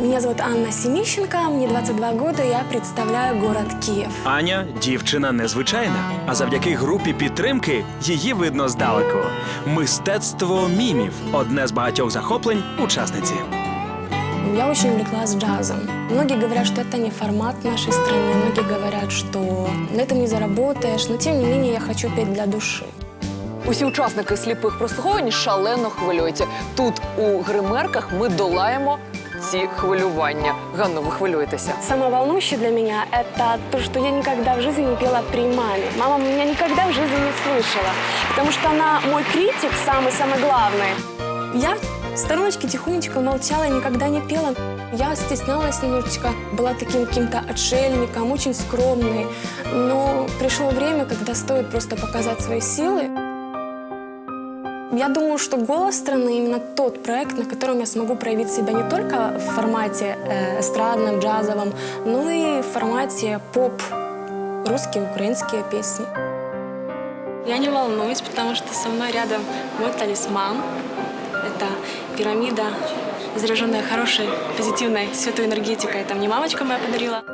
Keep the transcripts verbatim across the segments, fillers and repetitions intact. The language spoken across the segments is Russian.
Меня зовут Анна Семищенко, мне двадцять два года, я представляю город Київ. Аня – дівчина незвичайна, а завдяки групі підтримки її видно здалеку. Мистецтво мімів – одне з багатьох захоплень учасниці. Я очень увлеклась джазом. Многие говорят, что это не формат в нашей стране, многие говорят, что на этом не заработаешь, но тем не менее я хочу петь для души. Усі учасники сліпих прослуховувань шалено хвилюються. Тут у гримерках ми долаємо ці хвилювання. Ганно, ви хвилюєтеся? Самое волнующее для меня – это то, что я никогда в жизни не пела при маме. Мама меня никогда в жизни не слышала, потому что она мой критик, самый-самый главный. Я в стороночке тихонечко молчала, никогда не пела. Я стеснялась немножечко, была таким каким-то отшельником, очень скромной. Но пришло время, когда стоит просто показать свои силы. Я думаю, что «Голос страны» именно тот проект, на котором я смогу проявить себя не только в формате э, эстрадном, джазовом, но и в формате поп, русские, украинские песни. Я не волнуюсь, потому что со мной рядом мой талисман. Это пирамида, заряженная хорошей, позитивной, святой энергетикой. Это мне мамочка моя подарила.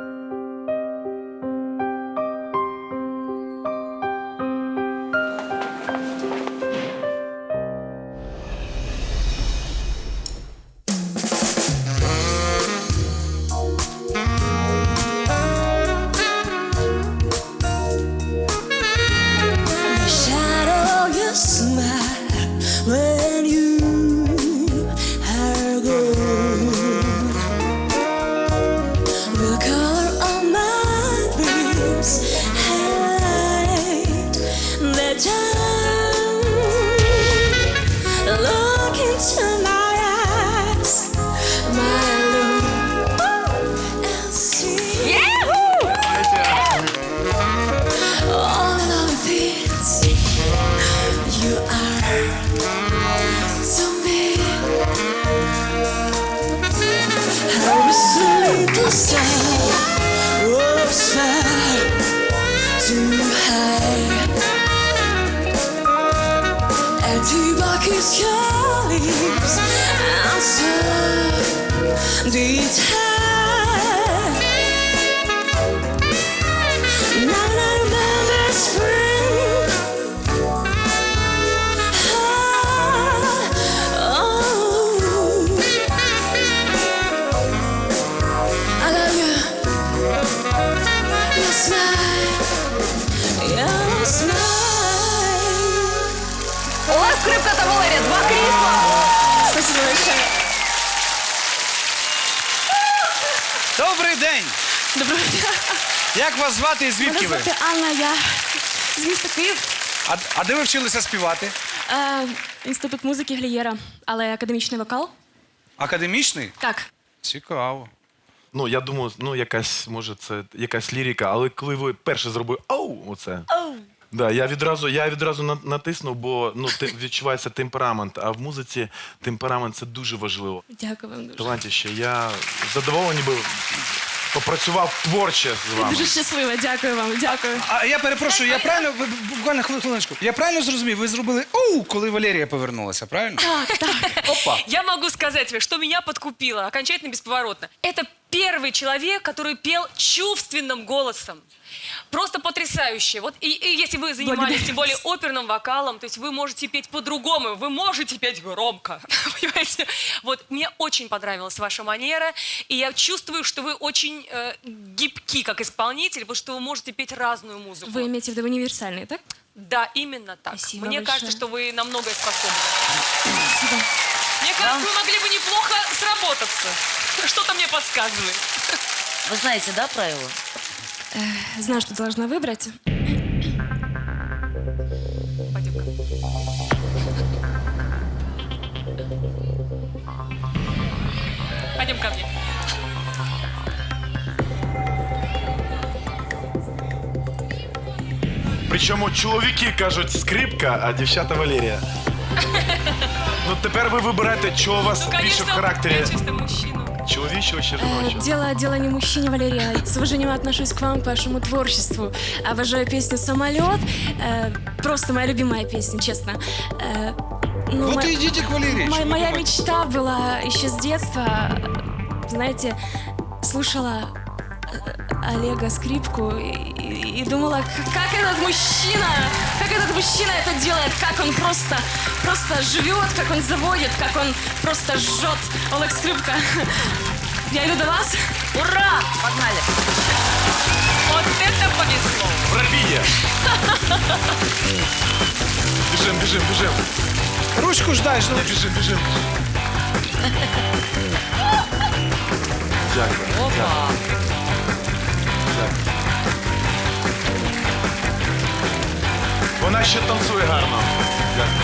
Скрипка та Валерія, два крісла. Спасибо большое. Добрий день! Доброго дня. Як вас звати і звідки ви? Мене звати Анна, я з міста Київ. А, а де ви вчилися співати? Е, інститут музики Глієра, але академічний вокал. Академічний? Так. Цікаво. Ну, я думаю, ну, якась, може, це якась лірика, але коли ви перше зробили «оу», оце, Оу. да, я відразу, я відразу на- натиснув, бо ну, ти- відчувається темперамент, а в музиці темперамент – це дуже важливо. Дякую вам дуже. Талантіще, я задоволений би попрацював творче з вами. Дуже щаслива, дякую вам, дякую. А я перепрошую, я правильно, ви- буквально хвили- хвилиночку, я правильно зрозумів, ви зробили «оу», коли Валерія повернулася, правильно? Так, так. Опа. Я могу сказать тебе, что меня подкупило окончательно бесповоротно. Это первый человек, который пел чувственным голосом. Просто потрясающе. Вот и, и если вы занимались, тем более, оперным вокалом, то есть вы можете петь по-другому, вы можете петь громко, понимаете? Вот мне очень понравилась ваша манера, и я чувствую, что вы очень э, гибки как исполнитель, потому что вы можете петь разную музыку. Вы имеете в виду универсальный, так? Да, именно так. Спасибо Мне большое. кажется, что вы на многое способны. Спасибо. Мне кажется, вы могли бы неплохо сработаться. Что-то мне подсказывает. Вы знаете, да, правила? Э, знаю, что должна выбрать. Пойдем-ка. Пойдем ко мне. Причому чоловіки кажуть скрипка, а дівчата Валерія. Ну тепер ви вибираєте, що у вас Ну, більше в конечно, характері. я чисто мужчина. Чоловічого чи Э, жіночого? дело, дело не в мужчине, Валерия. С уважением отношусь к вам, к вашему творчеству. Обожаю песню «Самолет». Э, просто моя любимая песня, честно. Э, ну, Вот мо- и идите к Валерии. мо- чего моя думать? мечта была еще с детства знаете, слушала э, Олега скрипку и, и- и думала, к- как этот мужчина, как этот мужчина это делает, как он просто, просто живет, как он заводит, как он просто жжет. Олег, скрипка. Я иду до вас. Ура! Погнали! Вот это повезло. Пробіє! Біжим, біжим, біжим. Ручку ж дай, ж, ну. Біжим, біжим. Дякую. Опа. Вона ще танцює гарно. Дякую.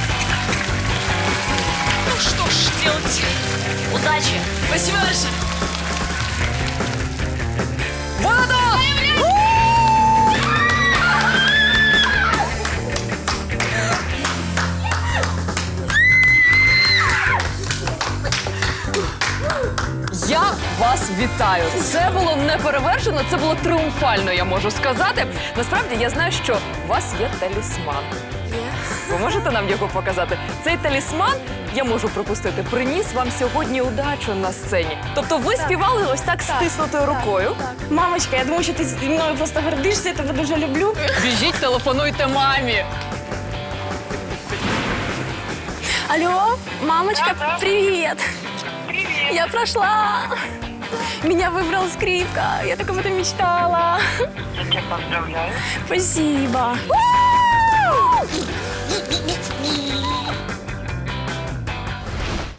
Ну что ж делать? Удачи! Спасибо большое. Я вас вітаю. Це було неперевершено, це було тріумфально, я можу сказати. Насправді я знаю, що у вас є талісман. Ви можете нам його показати? Цей талісман, я можу припустити, приніс вам сьогодні удачу на сцені. Тобто ви співали ось так стиснутою рукою. Мамочка, я думаю, что ты мною просто гордишься, я тебя дуже люблю. Біжіть, телефонуйте мамі. Алло, мамочка, привет. Привет. Я прошла. Меня выбрал скрипка. Я так об этом мечтала. Я тебя поздравляю. Спасибо.